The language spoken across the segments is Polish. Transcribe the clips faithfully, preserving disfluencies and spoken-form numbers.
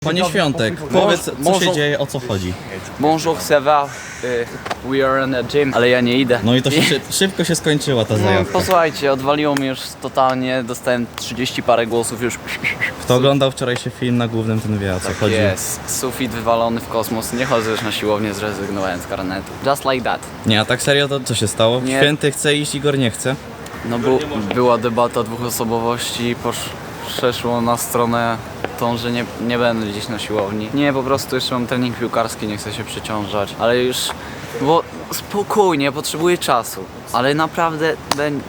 Panie Świątek, powiedz, co Może- się dzieje, o co chodzi. Bonjour, ça va? Y, We are in a gym, ale ja nie idę. No i to się, szy- szybko się skończyła ta No, zajawka. posłuchajcie, odwaliło mnie już totalnie, dostałem trzydzieści parę głosów już. Kto oglądał wczorajszy film na głównym, ten wie, o co chodzi. Jest, sufit wywalony w kosmos, nie chodzę już na siłownię, zrezygnowałem z karnetu. Just like that. Nie, a tak serio, to co się stało? Nie. Święty chce iść, Igor nie chce. No bu, była debata dwóch osobowości, posz, przeszło na stronę tą, że nie, nie będę gdzieś na siłowni. Nie, po prostu jeszcze mam trening piłkarski, nie chcę się przeciążać, ale już, bo spokojnie, potrzebuję czasu, ale naprawdę będzie,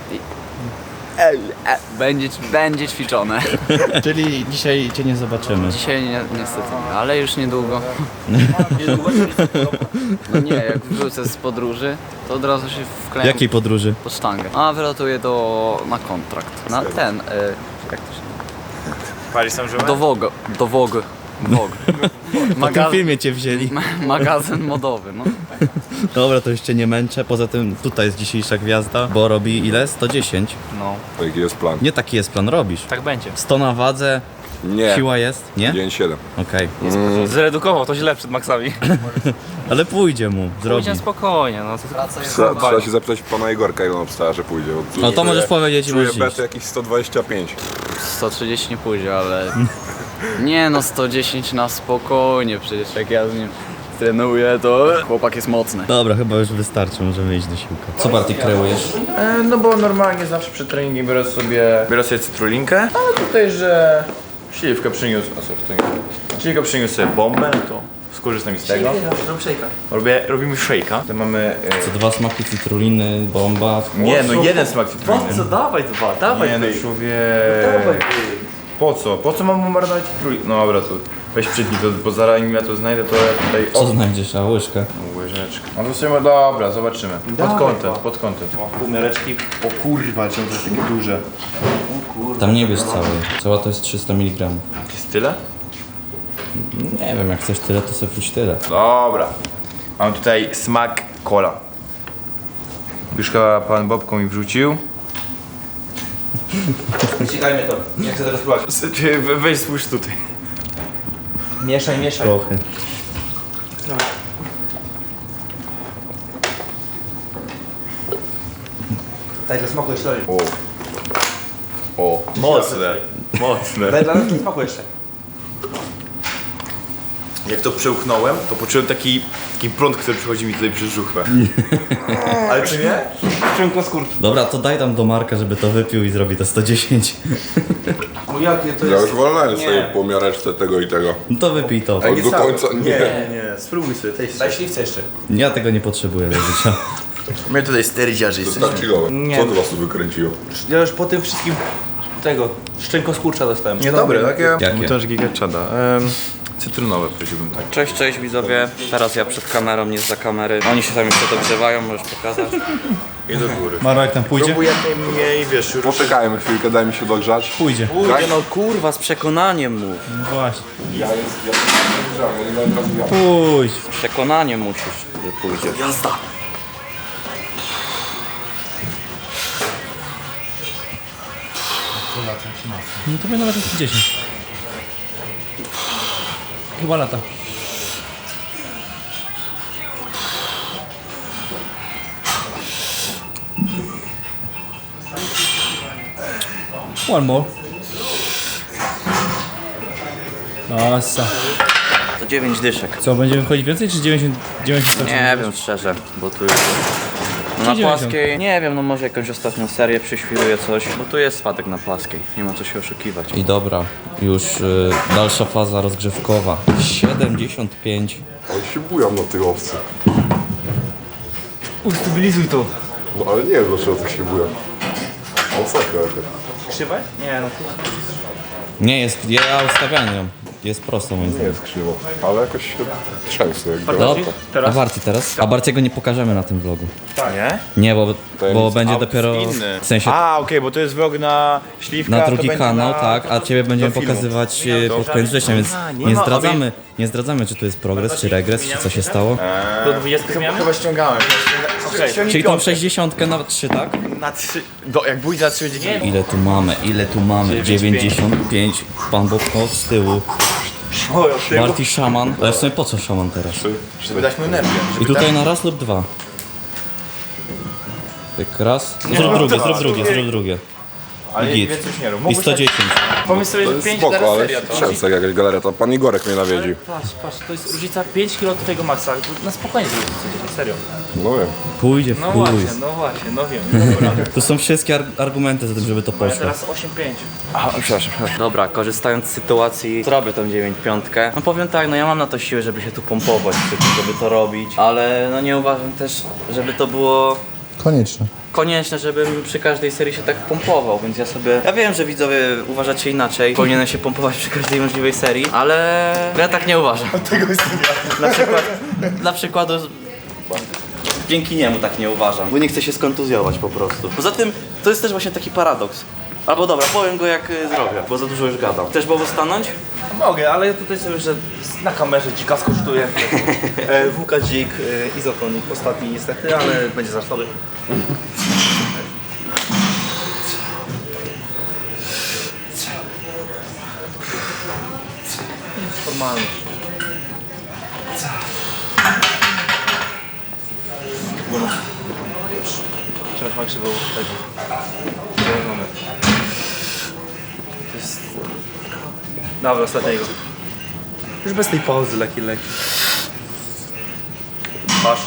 będzie, będzie ćwiczone. Czyli dzisiaj cię nie zobaczymy. Dzisiaj nie, niestety nie, ale już niedługo. No nie, jak wrócę z podróży, to od razu się wklejam Jakiej podróży? pod sztangę. A wylatuję do, na kontrakt, na ten, y, jak to się Paris Saint-Germain? do Vogue, do Vogue, Vogue. Po tym filmie cię wzięli. ma magazyn modowy, no. Dobra, to już cię nie męczę. Poza tym tutaj jest dzisiejsza gwiazda, bo robi ile? sto dziesięć. No, Jaki jest plan? Nie taki jest plan, robisz. tak będzie. sto na wadze, Nie. siła jest, nie? dzień siedem. Okej. Zredukował to źle przed maksami. Ale pójdzie mu, zrobi. Pójdzie spokojnie, no. Trzeba, trzeba się zapytać pana Igorka, ile on obstawia, że pójdzie. bo No to czuję- możesz powiedzieć i Czuję możesz iść. betę jakieś sto dwadzieścia pięć. sto trzydzieści nie pójdzie, ale... Nie no, sto dziesięć na spokojnie, przecież jak ja z nim trenuję, to chłopak jest mocny. Dobra, chyba już wystarczy, możemy iść do siłka. Co bardziej kreujesz? E, No bo normalnie zawsze przed treningiem biorę sobie, biorę sobie cytrulinkę, ale tutaj, że śliwkę przyniósł, a sorry, to nie. Śliwkę przyniósł sobie bombę, no to skorzystam z tego. Robię, robimy shake'a. To mamy... Co dwa smaki cytruliny, bomba. E, nie, no jeden smak cytruliny. Co, dawaj dwa, dawaj Nie no człowiek. Po co? Po co mam mu marynować cytrulinę? No dobra, to weź przytnij to, bo zaraz nim ja to znajdę, to ja tutaj... Co znajdziesz, a łyżkę? No, łyżeczkę. No to sobie, dobra, zobaczymy. Pod kątem, pod kątem. Półmiareczki. O kurwa, czemu to jest takie duże? Tam nie bierz całej. Cała to jest trzysta miligramów. Jest tyle? Nie wiem, jak chcesz tyle, to sobie wróć tyle. Dobra. Mam tutaj smak cola. Już chyba pan Bobko mi wrzucił. Wyciekajmy to. Nie chcę teraz spróbować. Weź spójrz tutaj. Mieszaj, mieszaj. Trochę. Daj dla smaku jeszcze. O. O. Mocne. Mocne. Daj dla nas smaku jeszcze. Jak to przełknąłem, to poczułem taki, taki prąd, który przychodzi mi tutaj przez żuchwę. Ale czy nie? Szczęko skórki. Dobra, to daj tam do Marka, żeby to wypił i zrobi to sto dziesięć. Bo jakie to Ja jest... już wolnałem sobie po miareczce tego i tego. No to wypij to. A do końca nie. Nie, nie, spróbuj sobie, tej Daj śliwce jeszcze. Ja tego nie potrzebuję do życia. My tutaj sterydziarzy To jesteśmy. tak chillowe. Nie. Co tu was tu wykręciło? Ja już po tym wszystkim tego szczęko skurcza dostałem. Nie, dobre, takie... Jakie? To już gigaczada. Um, cytrynowe powiedziałbym tak. Cześć, cześć widzowie, teraz ja przed kamerą, nie za kamery. Oni się tam jeszcze dogrzewają, możesz pokazać. I do góry. Marek tam pójdzie? Próbuj jak najmniej, wiesz, już... Poczekajmy chwilkę, daj mi się dogrzać. Pójdzie. Kurde, no kurwa, z przekonaniem mów. No właśnie. Ja jest, ja ja nie będę rozwijał. Pójdź. Z przekonaniem musisz, że pójdzie. Jazda! No to by nawet sto dziesięć. Chyba lata. One more. Nossa. To dziewięć dyszek. Co, będziemy wchodzić więcej czy dziewięćdziesiąt? dziewięćdziesiąt Nie wiem szczerze, bo tu jest... No na dziewięćdziesiąt. płaskiej, nie wiem, no może jakąś ostatnią serię przyświruję coś, bo tu jest spadek na płaskiej, nie ma co się oszukiwać. I dobra, już y, dalsza faza rozgrzewkowa. siedemdziesiąt pięć. Oni się bują na tej owce. Ustabilizuj to. No ale nie wiem dlaczego tak się bują. Masakra jaka. Krzywe? Nie no. Nie jest, ja ustawiam ją. Jest prosto moim Nie zdaniem. jest krzywo, ale jakoś się trzęsę jak No, gra. Teraz? a Barty teraz? A Bartiego nie pokażemy na tym vlogu. Nie? Nie, bo, bo Tajemnica. będzie A, dopiero inny. w sensie A, okej, bo to jest vlog na śliwka, na to drugi będzie kanał, na... tak, a ciebie będziemy do filmu. pokazywać e, pod koniec września, więc nie nie ma, zdradzamy, nie zdradzamy, czy to jest progres, czy regres, czy co się stało. Do dwudziestki zmiany? Chyba ściągałem. Okej. Czyli tą sześćdziesiątkę na trzy, tak? Na trzy... Do, jak pójdzie na trzy będzie... Ile tu mamy, ile tu mamy? dziewięćdziesiąt pięć, pan Bobko z tyłu. O, od tego. Barty szaman. Ale w sumie po co szaman teraz? Żeby dać mu energię. Żeby I tutaj na raz lub dwa. Tak raz. Zrób drugie, zrób drugie, zrób drugie. Ale git. więcej już nie rób. I Mógłbyś sto dziesięć. Pomyśl sobie, To że jest pięć spoko, teraz ale seria to. często jakaś galeria, to pan Igorek mnie nawiedzi. Patrz, patrz, to jest różnica pięć kilo od twojego maksa. Na spokojnie zrobić sto dziesięć, serio. No wiem. Pójdzie w No chuj. właśnie, no właśnie, no wiem. Dobra. To są wszystkie ar argumenty za tym, żeby to Ja poszło. teraz osiem pięć. A, przepraszam, przepraszam. Dobra, korzystając z sytuacji, zrobię tą dziewięć piątkę. No powiem tak, no ja mam na to siłę, żeby się tu pompować przy tym, żeby to robić, ale no nie uważam też, żeby to było Konieczne. konieczne, żebym przy każdej serii się tak pompował, więc ja sobie... Ja wiem, że widzowie uważacie inaczej, powinienem się pompować przy każdej możliwej serii, ale ja tak nie uważam. Tego jest Dla, przykład, dla przykładu... Dzięki niemu tak nie uważam, bo nie chcę się skontuzjować po prostu. Poza tym, to jest też właśnie taki paradoks. Albo dobra, powiem go jak y, zrobię, bo za dużo już gadam. Chcesz Bobo stanąć? Mogę, ale ja tutaj sobie, że na kamerze dzika skosztuję. e, W K dzik, e, izotonik ostatni niestety, ale będzie za słaby. Jest formalność. Trzeba ma krzywą tego. Założone. To jest... Dobra, ostatniego. Już bez tej pauzy, leki, leki. Masz.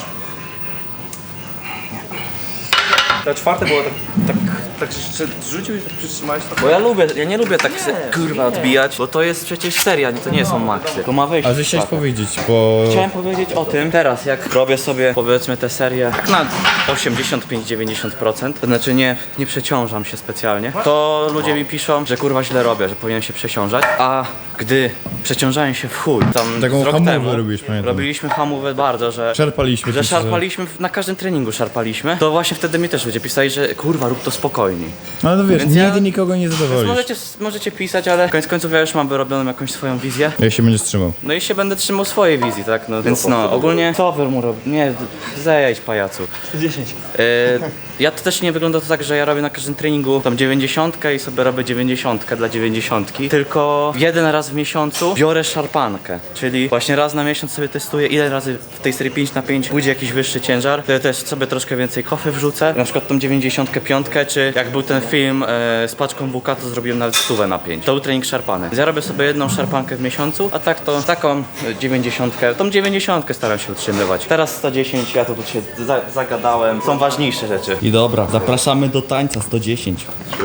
Ta czwarte było tak, tak, tak że rzucił i tak przytrzymałeś to. Bo ja lubię, ja nie lubię tak se, kurwa nie. odbijać, bo to jest przecież seria, nie- to nie są maksy. To ma wyjść. A że chciałeś powiedzieć, bo... Chciałem powiedzieć o tym teraz, jak robię sobie powiedzmy tę serię tak na osiemdziesiąt pięć do dziewięćdziesięciu procent, to znaczy nie, nie przeciążam się specjalnie, to ludzie mi piszą, że kurwa źle robię, że powinienem się przeciążać, a gdy przeciążałem się w chuj, tam Taką z rok hamówę temu robiłeś, pamiętam. robiliśmy hamówę bardzo, że Szarpaliśmy. że ci, szarpaliśmy, w- na każdym treningu szarpaliśmy, to właśnie wtedy mi też ludzie pisali, że kurwa rób to spokojniej. No ale to wiesz, Więc ja- nigdy nikogo nie Więc zadowolisz. możecie, możecie pisać, ale koniec końców ja już mam wyrobioną jakąś swoją wizję. Jak się będziesz trzymał. No i się będę trzymał swojej wizji, tak? No, więc no, ogólnie co wy mu robi? Nie, zejdź pajacu. sto dziesięć. Yy, ja to też nie wygląda to tak, że ja robię na każdym treningu tam dziewięćdziesiątkę i sobie robię dziewięćdziesiątkę dla dziewięćdziesiątki, tylko jeden raz w miesiącu biorę szarpankę, czyli właśnie raz na miesiąc sobie testuję, ile razy w tej serii pięć na pięć pójdzie jakiś wyższy ciężar, to ja też sobie troszkę więcej kofy wrzucę, na przykład tą dziewięćdziesiątkę piątkę, czy jak był ten film e, z paczką W K, to zrobiłem nawet stówę na pięć. To był trening szarpany. Więc ja robię sobie jedną szarpankę w miesiącu, a tak to taką dziewięćdziesiątkę, tą dziewięćdziesiątkę staram się utrzymywać. Teraz sto dziesięć, ja to tu się za, zagadałem, są ważniejsze rzeczy. I dobra, zapraszamy do tańca sto dziesięć.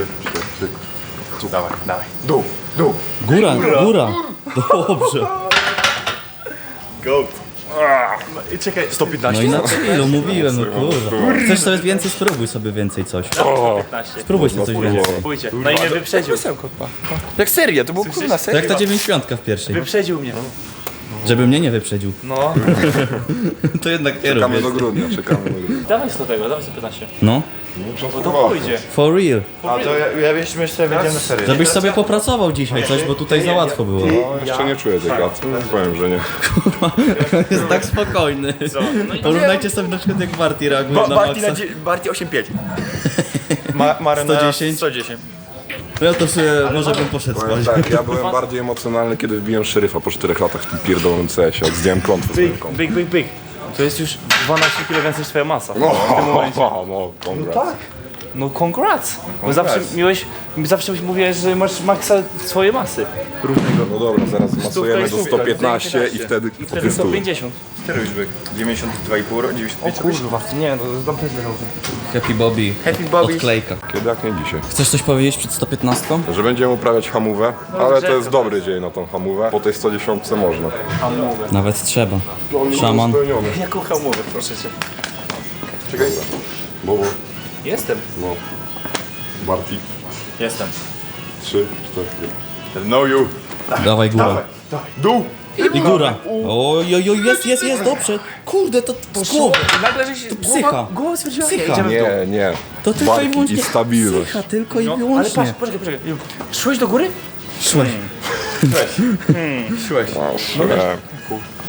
Dawaj, dawaj. Dół, dół. Góra, góra. Dobrze. Goat. I czekaj, sto No piętnaście. i na chwilę mówiłem, no kurwa. Chcesz sobie więcej, spróbuj sobie więcej coś. piętnaście. Spróbuj sobie coś więcej. Pójdzie. No i mnie wyprzedził. Jak seria, to było kurna To seria. jak ta dziewięćdziesiątka w pierwszej. Wyprzedził mnie. Żeby mnie nie wyprzedził. No. To jednak nie Czekamy robię. do grudnia, czekamy do grudnia. Dawaj sto tego, dawaj sto piętnaście. No, Bo to pójdzie. for real. A to ja, ja jeszcze jeszcze wejdziemy na serię. Żebyś sobie popracował dzisiaj coś, bo tutaj za łatwo było. No, jeszcze nie czuję tej gaty. Powiem, że nie. Jest tak spokojny. Porównajcie sobie na przykład jak Barty reaguje na Barty, maksa. na dzie- Barty osiem pięć. Ma, Maren sto dziesięć? sto dziesięć. No ja to sobie może bym poszedł Powiem spać. tak, ja byłem bardziej emocjonalny, kiedy wbiłem szeryfa po czterech latach w tym pierdolonym C S ie, jak zdjąłem klątwę z Byk, ręką. byk, byk, byk. To jest już dwanaście kilo więcej niż twoja masa. No, no, no, congrats. No congrats. Bo zawsze miałeś, zawsze mówiłeś, że masz maksa swojej masy. Równego. No dobra, zaraz Stówka masujemy i do stówka, sto piętnaście i wtedy I po wtedy prostu. sto pięćdziesiąt. Który już byk? dziewięćdziesiąt dwa i pół, dziewięćdziesiąt pięć. Kurwa, nie, to tam też leżał. Happy Bobby. Happy Bobby. Odklejka. Kiedy jak nie dzisiaj. Chcesz coś powiedzieć przed sto piętnastką? Że będziemy uprawiać hamówę, ale to drzewko jest dobry dzień na tą hamówę. Po tej sto dziesiątce można. Nawet trzeba. Szaman. Spełniony. Jaką hamówę, proszę cię. Czekaj. Bobo, Jestem. no. Barty. Jestem. Trzy, cztery. Know you. Dawaj góra. Dół. I góra. Oj, oj, oj, jest, jest, jest, dobrze. Kurde, to z głowy. Nagle, że się Psycha. głowa stwierdziła, Psycha. idziemy w dół. Nie, nie. To tylko i Barki wyłącznie i stabilność. psycha, tylko i Ale patrz, wyłącznie. poczekaj, poczekaj. Szłeś do góry? Szłeś. Siłeś. Nie.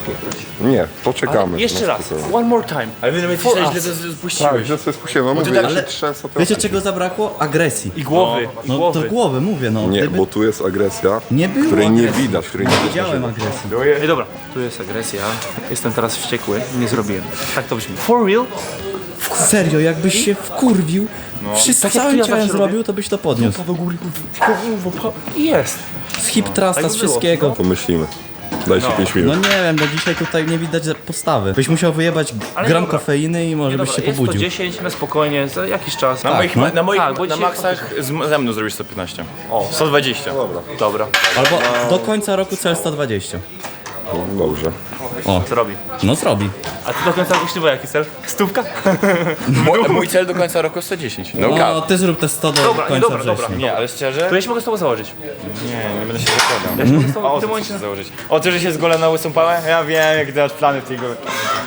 Nie, poczekamy. Jeszcze na raz. spokojnie. One more time. Ale wy nawet For źle us. to Tak, spuściłeś. że sobie spuściłem, no mówię, ja się trzęsę trochę. Wiecie czego zabrakło? Agresji. I głowy, i No to głowy. głowy, mówię no. Nie, Gdyby bo tu jest agresja, nie było której nie agresji. widać, której nie widać. Widziałem agresję. Ej, dobra. Tu jest agresja. Jestem teraz wściekły. Nie zrobiłem. Tak to brzmi. For real? Serio, jakbyś się wkurwił, wszystko Tak jak całym ja ciałem zawsze zrobił, to byś to podniósł. Do góry. I jest. Z hip trusta, tak z by było. wszystkiego. Pomyślimy. Dajcie pięć minut. No nie wiem, no dzisiaj tutaj nie widać postawy. Byś musiał wyjebać Ale gram dobra. kofeiny i może Nie, byś dobra, się jest to pobudził. dziesięć na spokojnie, za jakiś czas. Na Tak, moich, no. na moich Tak, bo na dzisiaj maksach z, ze mną zrobisz sto piętnaście. O, sto dwadzieścia. Dobra, Dobra. Albo do końca roku cel sto dwadzieścia. no, dobrze. O, Co robi? no zrobi. A ty do końca roku ślubu jaki cel? Stówka? Mój, mój cel do końca roku sto dziesięć. No, No no. ty zrób te sto do Dobra, nie, końca dobra, dobra. września. Nie, ale szczerze? To ja się mogę z tobą założyć. Nie, nie będę się zakładał. Ja się mogę z tobą O, w tym co momencie... chcesz założyć? O, ty, że się zgolę na łysą pałę? Ja wiem, jak ty masz plany w tej gole.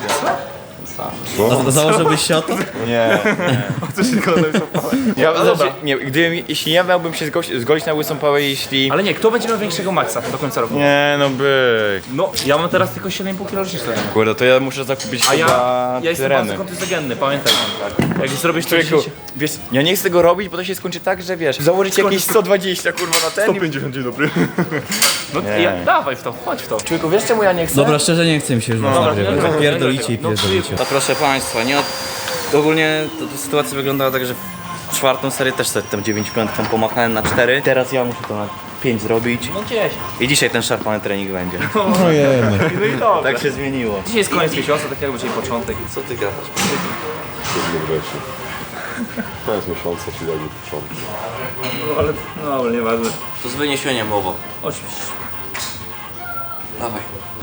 A założyłbyś się o to? Nie. Co się zgoda na łysą pałę? Ja, No dobra. znaczy, nie, gdybym, jeśli ja miałbym się zgoś- zgolić na łysą pałę, jeśli... Ale nie, kto będzie miał większego maksa do końca roku? Nie, no byk. No, ja mam teraz tylko siedem i pół kilo rocznicy. Kurde, to ja muszę zakupić A ja, chyba ja jestem tereny. bardzo kontyzygenny, pamiętaj. Tak. Jak zrobisz to Człowieku, dziesięć... wiesz, ja nie chcę tego robić, bo to się skończy tak, że wiesz, założyć jakieś sto dwadzieścia kurwa na ten. sto pięćdziesiąt, dzień dobry. No Nie. ja, dawaj w to, chodź w to. Człowieku, wiesz czemu ja nie chcę? Dobra, szczerze nie chcę mi się już no, dobra, nagrywać. nie, nie, Pierdolicie i no, pierdolicie. To proszę Państwa, nie od... ogólnie to, to sytuacja wyglądała tak, że w czwartą serię też sobie tę dziewięć piątką pomachałem na cztery. Teraz ja muszę to na pięć zrobić. No gdzieś. I dzisiaj ten szarpany trening będzie. No jemy. No i dobrze. Tak się zmieniło. Dzisiaj jest koniec miesiąca, tak jakby dzisiaj początek. Co ty gadasz? Siódmy września. Koniec miesiąca, czyli jakby początek. No ale, no ale nieważne. To z wyniesieniem mowa. Oczywiście. Dawaj.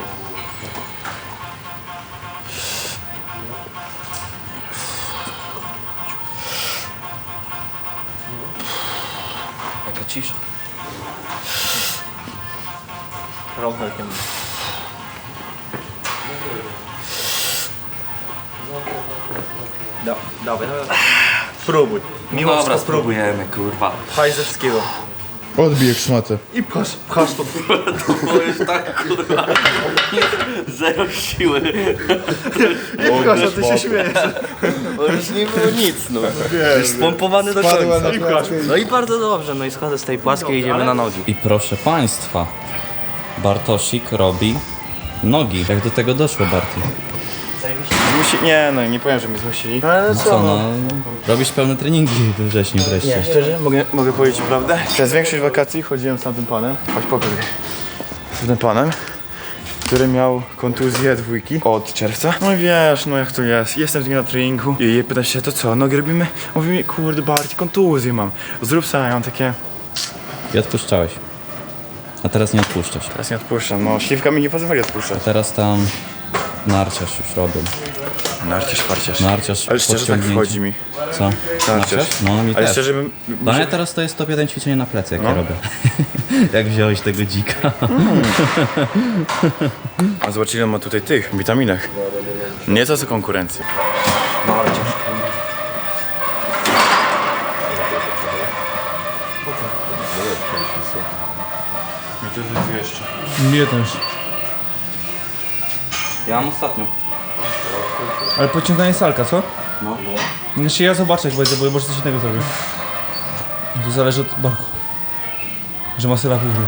Jaka cisza. Rąbelkiem. Da, dawaj, dawaj. Próbuj. Mimo Dobra, wszystko spróbuj. spróbujemy, kurwa. Pchaj ze wszystkiego. Odbij jak szmatę. I pchasz, pchasz to. To jest tak, kurwa. Zero siły. Pchasz, a ty się śmiejesz. To już nie było nic, no. Już spompowany do Padła końca. na klatkę. No i bardzo dobrze, no i schodzę z tej płaskiej i idziemy na nogi. I proszę Państwa, Bartosik robi nogi. Jak do tego doszło, Barty? Zmusi... Nie, no nie powiem, że mnie zmusili. Ale Co no, robisz pełne treningi we wrześniu wreszcie. Szczerze, mogę, mogę powiedzieć prawdę? Przez większość wakacji chodziłem z tamtym panem, choć pokaż. Z tym panem, który miał kontuzję dwójki od czerwca. No i wiesz, no jak to jest, jestem z nim na treningu i pyta się, to co, nogi robimy? Mówi mi, kurde Barty, kontuzję mam, zrób sobie, ja mam takie, I odpuszczałeś. A teraz nie odpuszczasz. teraz nie odpuszczam, no śliwka mi nie pozwoli odpuszczać. Teraz tam narciarz już robią. Narciarz, farciarz. Narciarz Ale szczerze tak podciągnięcie. wchodzi mi. Co? Narciarz. No mi Ale też. szczerze bym... Dla mnie teraz to jest top jeden ćwiczenie na plecy, jak No. ja robię. Jak wziąłeś tego dzika. A zobacz ile on ma tutaj tych witaminek. Nie to co konkurencja. I to jest jeszcze. Nie też. Ja mam ostatnią. Ale podciąganie salka, co? No. Znaczy ja zobaczę, jak będzie, bo może coś innego zrobię. To zależy od barku. Że ma syla później.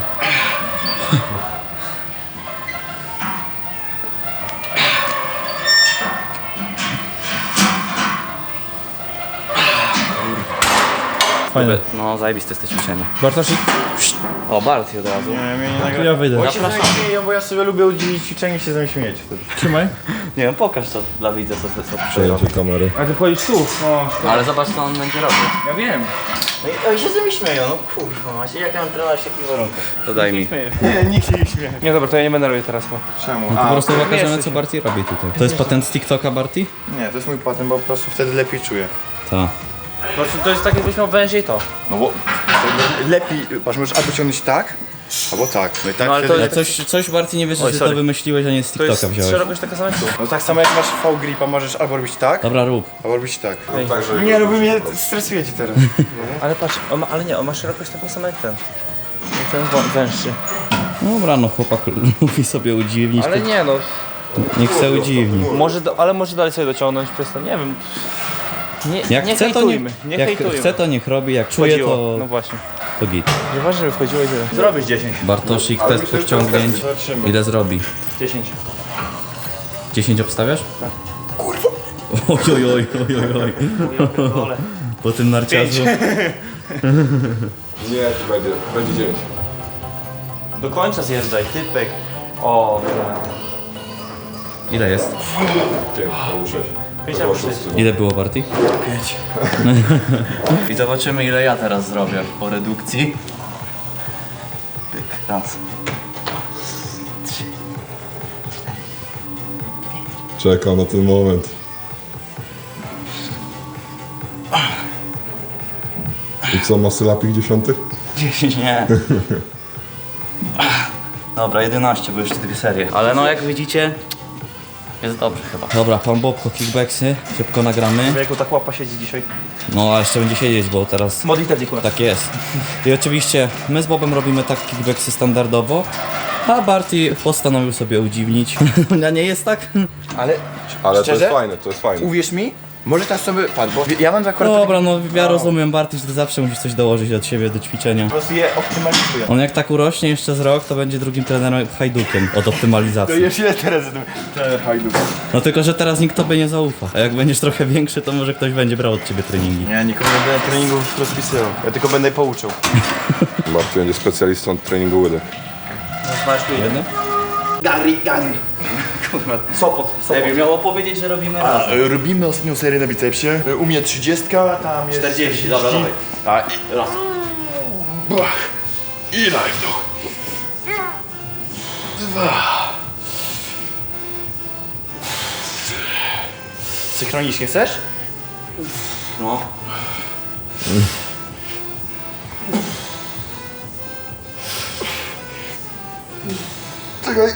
Fajne. No zajebiste jest to ćwiczenie. Bartosik? O, Barty od razu. Nie, mnie nie To nagra... ja wyjdę. Bo się ze mnie śmieją, bo ja sobie lubię udzielić ćwiczeń i się ze mnie śmieć wtedy. Trzymaj. Nie wiem, pokaż to dla widza, co ty co przyjął. Przejęcie kamery. A ty wchodzisz tu? O, Ale zobacz, co on będzie robił. ja wiem. No i oni się ze mnie śmieją, no kurwa macie, jak ja mam trenować w takich warunkach? To daj mi. Nie, nikt się nie śmieje. Nie dobra, to ja nie będę robić teraz, bo... Czemu? Po A, prostu pokażemy, mieszczę co się. Barty robi tutaj. To jest patent z TikToka, Barty? nie, to jest mój patent, bo po prostu wtedy lepiej czuję. Tak. Po prostu to jest tak, jakbyś miał węże i to. No bo lepiej, patrz, możesz albo ciągnąć tak, albo tak. No i tak No, ale wtedy... to Ale coś, coś Barty nie wiesz, Oj, że ty sorry. to wymyśliłeś, a nie z To jest TikToka wziąłeś. szerokość taka sama jak tu. No tak samo jak masz V-gripa, możesz albo robić tak, Dobra, rób. albo robić tak. Także Nie, no wy mnie stresujecie teraz. Ale patrz, on ma, ale nie, on ma szerokość taką samą jak ten. Jak ten wą- węższy. Dobra, no chłopak lubi sobie udziwnić. Ale to nie no, Niech se udziwni. Może, do, ale może dalej sobie dociągnąć przez to, nie wiem. Nie, Jak nie chce, to hejtujmy, nie, nie jak hejtujmy. chce, to niech robi, jak czuje, Wchodziło. to, No właśnie. to git. Nieważne, że wchodziło i tyle. Zrobisz dziesięć. Bartosik, test podciągnięć. Ile zrobi? dziesięć. dziesięć obstawiasz? Tak. Kurwa! Oj, oj, oj, oj, oj. Po tym narciarzu. Nie, to będzie, będzie dziewięć. Do końca zjeżdżaj, typek. O, Ile jest? Pięć, albo sześć. pięć albo sześć. Ile było Barty? I zobaczymy ile ja teraz zrobię po redukcji. Pyk, raz. Czekam na ten moment. I co, masy lapik dziesiątych? dziesięć, nie. Dobra, jedenaście, bo jeszcze dwie serie. Ale no jak widzicie, jest dobrze chyba. Dobra, pan Bobko, kickbacksy. Szybko nagramy. Wieku, tak łapa siedzi dzisiaj. No, a jeszcze będzie siedzieć, bo teraz Modlitewnik u nas. tak jest. I oczywiście my z Bobem robimy tak kickbacksy standardowo, a Barty postanowił sobie udziwnić. A nie jest tak? Ale, Ale to szczerze, jest fajne, to jest fajne. uwierz mi, może teraz sobie, patrz, bo ja mam akurat Dobra, no ja rozumiem Barty, że ty zawsze musisz coś dołożyć od siebie do ćwiczenia. Po prostu je optymalizuję. On jak tak urośnie jeszcze z rok, to będzie drugim trenerem Hajdukiem od optymalizacji. Jeszcze ile teraz ten hajduk? No tylko, że teraz nikt tobie nie zaufa. A jak będziesz trochę większy, to może ktoś będzie brał od ciebie treningi. Ja nikomu nie będę treningów rozpisywał, ja tylko będę pouczył. Marty będzie specjalistą od treningu łydek. Jeden? Sopot, Sopot. Jakby miało powiedzieć, że robimy A, razem. e, robimy ostatnią serię na bicepsie. E, U mnie trzydziestka, tam jest czterdzieści, dobra, dawaj. A, i, Raz. Bach. I live do. Dwa. Synchronicznie chcesz? No. Czekaj.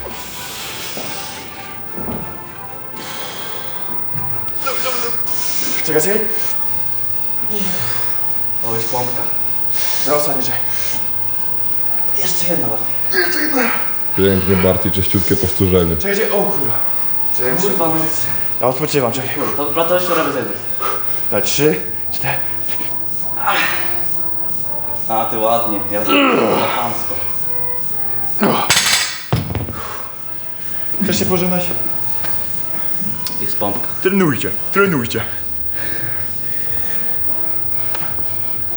Czekaj, czekaj. O, już pompka. No, ostatnie, czekaj. Jeszcze jedna bardziej. Jeszcze jedna. Pięknie, Barty, czyściutkie powtórzenie. Czekaj, czekaj, o kurwa. Czekaj, Kurwa, no. ja odpoczywam, czekaj. Dobra, to jeszcze robię zejdę. Na trzy, cztery. A, ty ładnie. Ja zrobiłem chamsko. Chcesz się pożegnać? Jest pompka. Trenujcie, trenujcie.